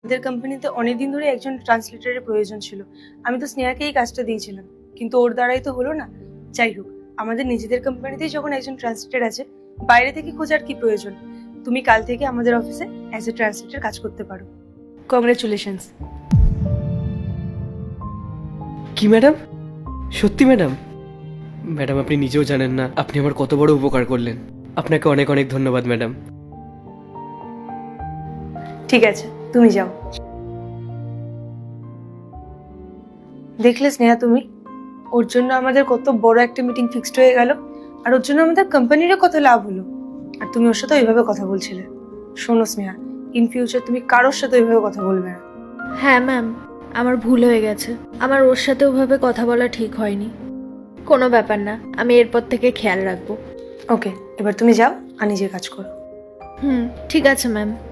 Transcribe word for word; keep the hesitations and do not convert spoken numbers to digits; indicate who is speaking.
Speaker 1: আমাদের কোম্পানিতে অনেকদিন ধরে একজন ট্রান্সলেটরের প্রয়োজন ছিল। আমি তো স্নেহাকে এই কাজটা দিয়েছিলাম, কিন্তু ওর দ্বারাই তো হলো না। যাই হোক, আমাদের নিজেদের কোম্পানিতেই যখন একজন ট্রান্সলেটর আছে, বাইরে থেকে খোঁজার কি প্রয়োজন। তুমি কাল থেকে আমাদের অফিসে অ্যাজ এ ট্রান্সলেটর কাজ করতে পারো। কংগ্রেচুলেশনস।
Speaker 2: কি ম্যাডাম? সত্যি ম্যাডাম? ম্যাডাম আপনি নিজেও জানেন না আপনি আমার কত বড় উপকার করলেন। আপনাকে অনেক অনেক ধন্যবাদ ম্যাডাম।
Speaker 1: ঠিক আছে, তুমি যাও। দেখলে স্নেহা তুমি, ওর জন্য আমাদের কত বড় একটা মিটিং ফিক্সড হয়ে গেল, আর ওর জন্য আমাদের কোম্পানিরও কত লাভ হলো। আর তুমি ওর সাথে ওইভাবে কথা বলছিলে। শোনো স্নেহা, ইন ফিউচার তুমি কারোর সাথে ওইভাবে কথা বলবে না।
Speaker 3: হ্যাঁ ম্যাম, আমার ভুল হয়ে গেছে। আমার ওর সাথে ওভাবে কথা বলা ঠিক হয়নি। কোনো ব্যাপার না, আমি এরপর থেকে খেয়াল রাখবো।
Speaker 1: ওকে, এবার তুমি যাও আর নিজের কাজ করো।
Speaker 3: হুম, ঠিক আছে ম্যাম।